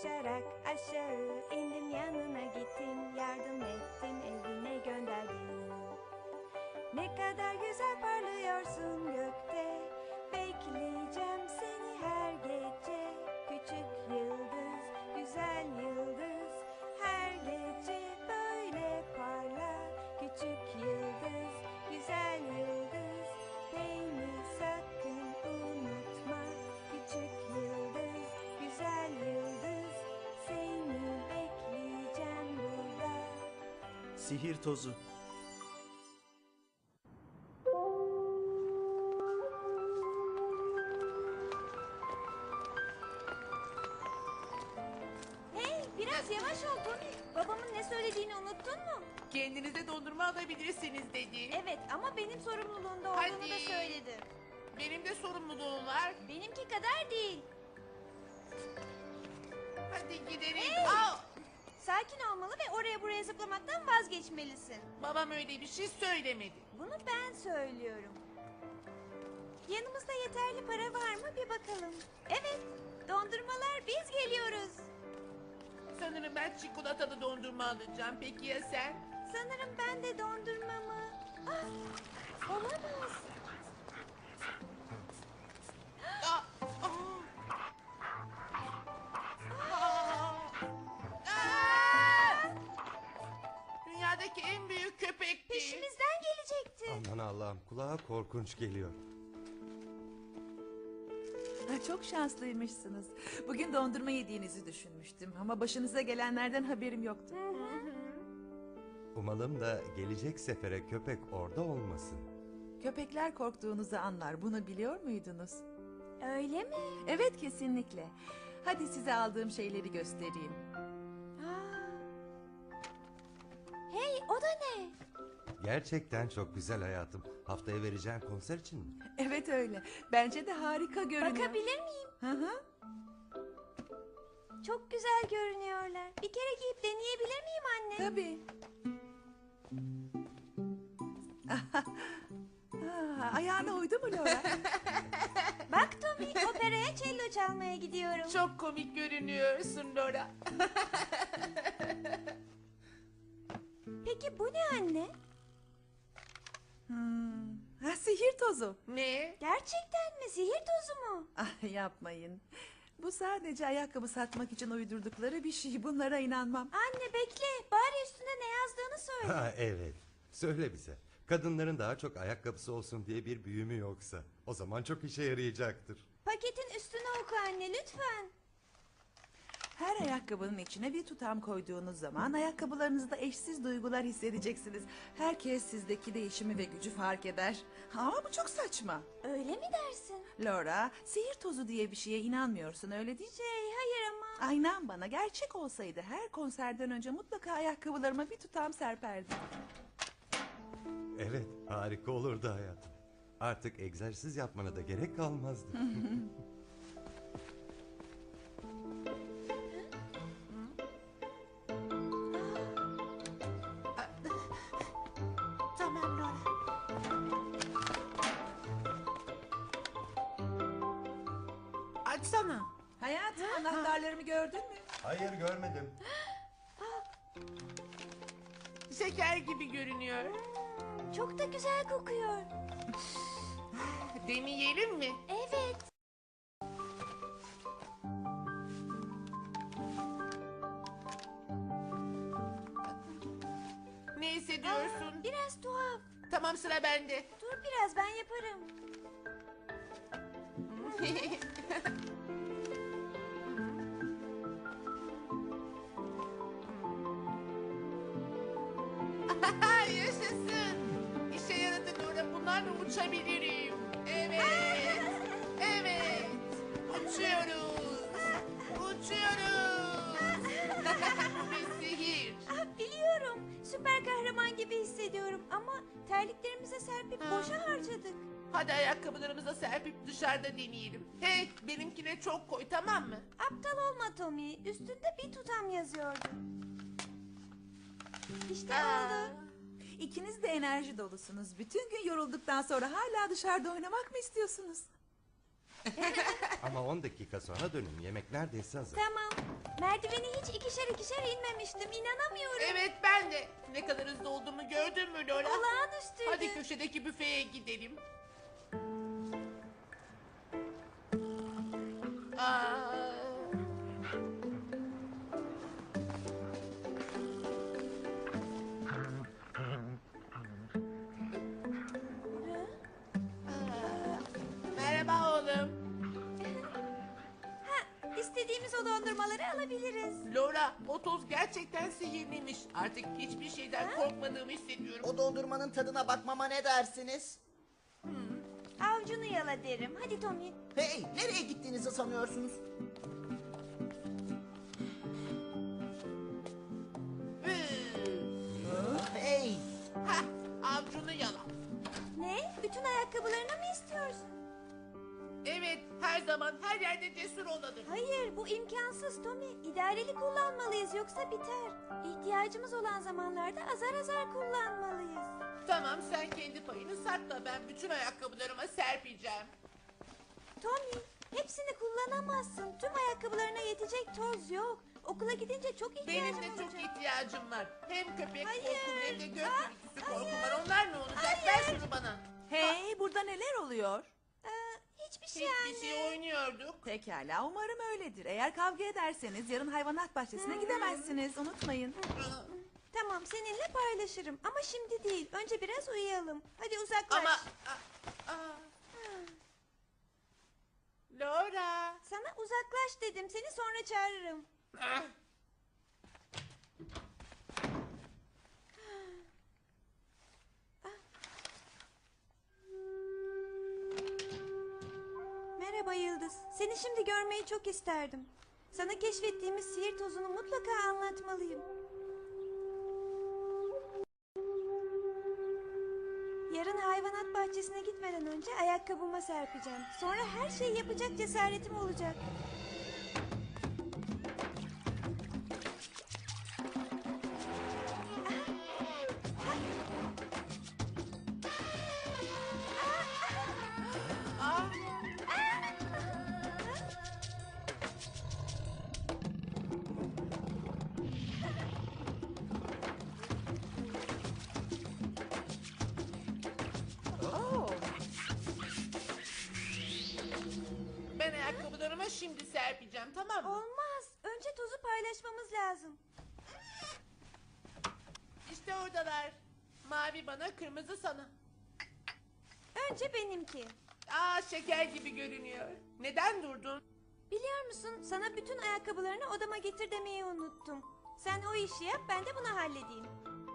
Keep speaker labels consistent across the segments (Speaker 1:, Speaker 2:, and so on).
Speaker 1: koşarak aşağı indim, yanına gittim, yardım ettim, evine gönderdim. Ne kadar güzel parlıyorsun gökte, bekleyeceğim seni her gece. Küçük yıldız, güzel yıldız, her gece böyle parla. Küçük yıldız, güzel yıldız, beni sakın unutma. Küçük yıldız, güzel yıldız, seni bekleyeceğim burada.
Speaker 2: Sihir tozu.
Speaker 1: Hey, biraz yavaş ol Tony. Babamın ne söylediğini unuttun mu?
Speaker 3: Kendinize dondurma alabilirsiniz dedi.
Speaker 1: Evet, ama benim sorumluluğumda olduğunu
Speaker 3: Hadi.
Speaker 1: da söyledi.
Speaker 3: Benim de sorumluluğum var.
Speaker 1: Benimki kadar değil.
Speaker 3: Hadi gidelim.
Speaker 1: Hey!
Speaker 3: Aa,
Speaker 1: Sakin olmalı ve oraya buraya zıplamaktan vazgeçmelisin.
Speaker 3: babam öyle bir şey söylemedi.
Speaker 1: Bunu ben söylüyorum. Yanımızda yeterli para var mı bir bakalım. Evet, dondurmalar, biz geliyoruz.
Speaker 3: Sanırım ben çikolatalı dondurma alacağım. Peki ya sen?
Speaker 1: Sanırım ben de dondurmamı... Ah, olamaz.
Speaker 3: Aa, aa. Aa! Dünyadaki en büyük köpekti.
Speaker 1: Peşimizden gelecekti.
Speaker 4: Aman Allah'ım, kulağa korkunç geliyor.
Speaker 5: Çok şanslıymışsınız. Bugün dondurma yediğinizi düşünmüştüm ama başınıza gelenlerden haberim yoktu.
Speaker 4: Umalım da gelecek sefere köpek orada olmasın.
Speaker 5: Köpekler korktuğunuzu anlar. Bunu biliyor muydunuz?
Speaker 1: Öyle mi?
Speaker 5: Evet, kesinlikle. Hadi size aldığım şeyleri göstereyim.
Speaker 1: Aa. Hey, o da ne?
Speaker 4: Gerçekten çok güzel hayatım. Haftaya vereceğin konser için mi?
Speaker 5: Evet öyle. Bence de harika görünüyor.
Speaker 1: Bakabilir miyim?
Speaker 5: Hı hı.
Speaker 1: Çok güzel görünüyorlar. Bir kere giyip deneyebilir miyim anne?
Speaker 5: Tabii. Ayağına uydu mu Laura?
Speaker 1: Bak Tommy, operaya cello çalmaya gidiyorum.
Speaker 3: Çok komik görünüyorsun Laura.
Speaker 1: Peki bu ne anne?
Speaker 5: Sihir tozu.
Speaker 3: Ne?
Speaker 1: Gerçekten mi? Sihir tozu mu?
Speaker 5: Yapmayın. Bu sadece ayakkabı satmak için uydurdukları bir şey. Bunlara inanmam.
Speaker 1: Anne bekle. Bari üstünde ne yazdığını söyle.
Speaker 4: Ha, evet. Söyle bize. Kadınların daha çok ayakkabısı olsun diye bir büyü mü yoksa? O zaman çok işe yarayacaktır.
Speaker 1: Paketin üstüne oku anne lütfen.
Speaker 5: Her ayakkabının içine bir tutam koyduğunuz zaman ayakkabılarınızda eşsiz duygular hissedeceksiniz. Herkes sizdeki değişimi ve gücü fark eder. Ama bu çok saçma.
Speaker 1: Öyle mi dersin?
Speaker 5: Laura, sihir tozu diye bir şeye inanmıyorsun, öyle değil mi?
Speaker 1: Hayır ama.
Speaker 5: Aynen, bana gerçek olsaydı her konserden önce mutlaka ayakkabılarıma bir tutam serperdim.
Speaker 4: Evet, harika olurdu hayatım. Artık egzersiz yapmana da gerek kalmazdı.
Speaker 3: Tamam Laura. Açsana.
Speaker 5: Hayatım, anahtarlarımı gördün mü?
Speaker 4: Hayır, görmedim.
Speaker 3: Şeker gibi görünüyor.
Speaker 1: Çok da güzel kokuyor.
Speaker 3: Deneyelim mi?
Speaker 1: Evet.
Speaker 3: Ne hissediyorsun?
Speaker 1: Biraz tuhaf.
Speaker 3: Tamam, sıra bende.
Speaker 1: Dur biraz, ben yaparım.
Speaker 3: Yaşasın. İşe yaradı Laura. Bunlarla uçabilirim. Evet. Evet. Uçuyoruz. Uçuyoruz. Bu bir sihir.
Speaker 1: Biliyorum. Süper kahraman gibi hissediyorum ama terliklerimize serpip boşa harcadık.
Speaker 3: Hadi ayakkabılarımıza serpip dışarıda deneyelim. Hey, benimkine çok koy, tamam mı?
Speaker 1: Aptal olma Tommy. Üstünde bir tutam yazıyordu. İşte
Speaker 3: Aa.
Speaker 1: oldu.
Speaker 5: İkiniz de enerji dolusunuz. Bütün gün yorulduktan sonra hala dışarıda oynamak mı istiyorsunuz?
Speaker 4: Ama 10 dakika sonra dönün. Yemek neredeyse hazır.
Speaker 1: Tamam. Merdiveni hiç ikişer ikişer inmemiştim. İnanamıyorum.
Speaker 3: Evet ben de. Ne kadar hızlı olduğumu gördün mü Laura?
Speaker 1: Olağanüstüydü.
Speaker 3: Hadi köşedeki büfeye gidelim. Aa, merhaba oğlum.
Speaker 1: İstediğimiz o dondurmaları alabiliriz.
Speaker 3: Laura, o toz gerçekten sihirliymiş. Artık hiçbir şeyden korkmadığımı hissediyorum.
Speaker 6: O dondurmanın tadına bakmama ne dersiniz?
Speaker 1: Avcunu yala derim. Hadi Tommy.
Speaker 6: Hey, nereye gittiğinizi sanıyorsunuz? Hey,
Speaker 3: Hah, avcunu yala.
Speaker 1: Ne? Bütün ayakkabılarını mı istiyorsun?
Speaker 3: Evet, her zaman her yerde cesur olalım.
Speaker 1: Hayır, bu imkansız Tommy. İdareli kullanmalıyız yoksa biter. İhtiyacımız olan zamanlarda azar azar kullanmalıyız.
Speaker 3: Tamam, sen kendi payını sakla. Ben bütün ayakkabılarıma serpeceğim.
Speaker 1: Tommy, hepsini kullanamazsın. Tüm ayakkabılarına yetecek toz yok. Okula gidince çok ihtiyacım
Speaker 3: Benim de çok
Speaker 1: olacak.
Speaker 3: ihtiyacım var. Hem köpek
Speaker 1: Hayır.
Speaker 3: korkum hem de gök
Speaker 1: Ah,
Speaker 3: gürültüsü korkum
Speaker 1: hayır.
Speaker 3: var. Onlar ne olacak?
Speaker 1: Hayır.
Speaker 3: Ver şunu bana.
Speaker 5: Hey, burada neler oluyor?
Speaker 1: Hiçbir şey
Speaker 3: Hiçbir
Speaker 1: anne.
Speaker 3: şey oynuyorduk.
Speaker 5: Pekala, umarım öyledir. Eğer kavga ederseniz yarın hayvanat bahçesine gidemezsiniz. Unutmayın.
Speaker 1: Tamam, seninle paylaşırım. Ama şimdi değil. Önce biraz uyuyalım. Hadi uzaklaş.
Speaker 3: Ama... Laura.
Speaker 1: Sana uzaklaş dedim. Seni sonra çağırırım.
Speaker 3: Ah,
Speaker 1: Merhaba Yıldız. Seni şimdi görmeyi çok isterdim. Sana keşfettiğimiz sihir tozunu mutlaka anlatmalıyım. Yarın hayvanat bahçesine gitmeden önce ayakkabıma serpeceğim. Sonra her şeyi yapacak cesaretim olacak.
Speaker 3: ah.
Speaker 5: Oo,
Speaker 3: Ben ayakkabılarıma şimdi serpeceğim, tamam mı?
Speaker 1: Olmaz. Önce tozu paylaşmamız lazım.
Speaker 3: İşte oradalar. Mavi bana, kırmızı sana.
Speaker 1: Önce benimki.
Speaker 3: Aa, şeker gibi görünüyor. Neden durdun?
Speaker 1: Biliyor musun, sana bütün ayakkabılarını odama getir demeyi unuttum. Sen o işi yap, ben de bunu halledeyim.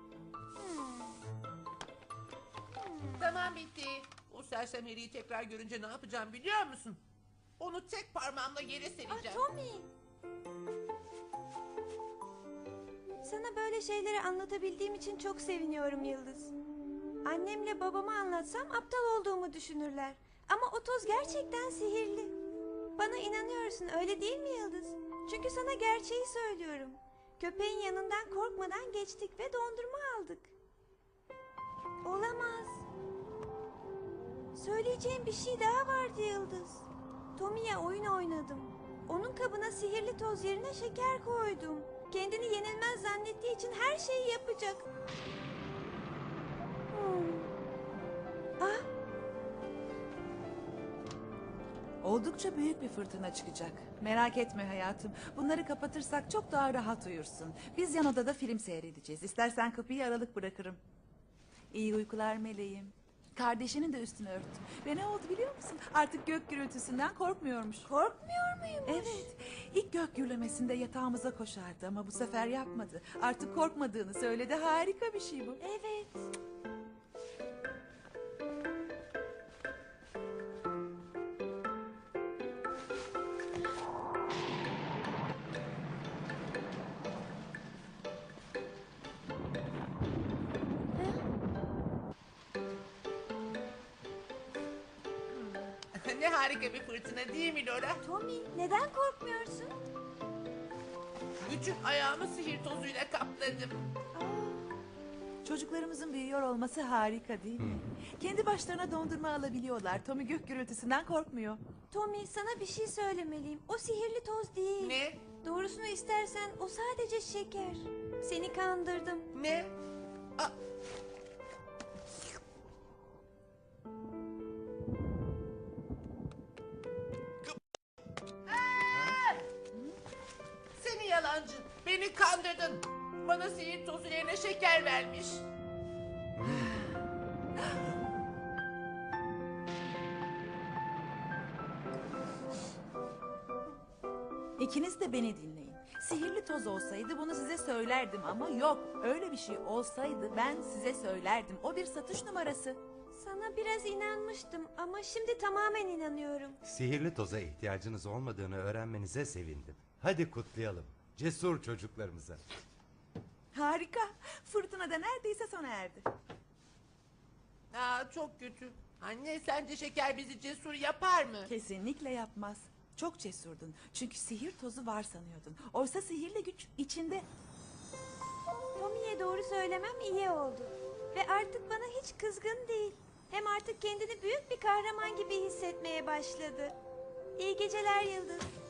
Speaker 3: Tamam, bitti. O sersem heriyi tekrar görünce ne yapacağım biliyor musun? Onu tek parmağımla yere
Speaker 1: Ah
Speaker 3: sereceğim.
Speaker 1: Tommy. Sana böyle şeyleri anlatabildiğim için çok seviniyorum Yıldız. Annemle babama anlatsam aptal olduğumu düşünürler. Ama o toz gerçekten sihirli. Bana inanıyorsun, öyle değil mi Yıldız? Çünkü sana gerçeği söylüyorum. Köpeğin yanından korkmadan geçtik ve dondurma aldık. Olamaz. Söyleyeceğim bir şey daha vardı Yıldız. Tommy'ye oyun oynadım. Onun kabına sihirli toz yerine şeker koydum. Kendini yenilmez zannettiği için her şeyi yapacak. Ah,
Speaker 5: oldukça büyük bir fırtına çıkacak. Merak etme hayatım. Bunları kapatırsak çok daha rahat uyursun. Biz yan odada film seyredeceğiz. İstersen kapıyı aralık bırakırım. İyi uykular meleğim. Kardeşinin de üstünü örttüm. Ve ne oldu biliyor musun? Artık gök gürültüsünden korkmuyormuş.
Speaker 1: korkmuyor muymuş?
Speaker 5: Evet. İlk gök gürlemesinde yatağımıza koşardı ama bu sefer yapmadı. Artık korkmadığını söyledi. Harika bir şey bu.
Speaker 1: Evet.
Speaker 3: Ne harika bir fırtına değil mi Laura?
Speaker 1: Tommy, neden korkmuyorsun?
Speaker 3: Bütün ayağımı sihir tozuyla kapladım.
Speaker 5: Çocuklarımızın büyüyor olması harika değil mi? Kendi başlarına dondurma alabiliyorlar. Tommy gök gürültüsünden korkmuyor.
Speaker 1: Tommy, sana bir şey söylemeliyim. O sihirli toz değil.
Speaker 3: Ne?
Speaker 1: Doğrusunu istersen o sadece şeker. Seni kandırdım.
Speaker 3: Ne? Aa, seni yalancı. Beni kandırdın. Bana sihir tozu yerine şeker vermiş.
Speaker 5: İkiniz de beni dinleyin. Sihirli toz olsaydı bunu size söylerdim ama yok. Öyle bir şey olsaydı ben size söylerdim. O bir satış numarası.
Speaker 1: Sana biraz inanmıştım ama şimdi tamamen inanıyorum.
Speaker 4: Sihirli toza ihtiyacınız olmadığını öğrenmenize sevindim. Hadi kutlayalım. Cesur çocuklarımıza.
Speaker 5: Harika. Fırtına da neredeyse sona erdi.
Speaker 3: Aa, çok kötü. Anne, sence şeker bizi cesur yapar mı?
Speaker 5: Kesinlikle yapmaz. Çok cesurdun. Çünkü sihir tozu var sanıyordun. Oysa sihirli güç içinde.
Speaker 1: Tommy'ye doğru söylemem iyi oldu. Ve artık bana hiç kızgın değil. Hem artık kendini büyük bir kahraman gibi hissetmeye başladı. İyi geceler Yıldız.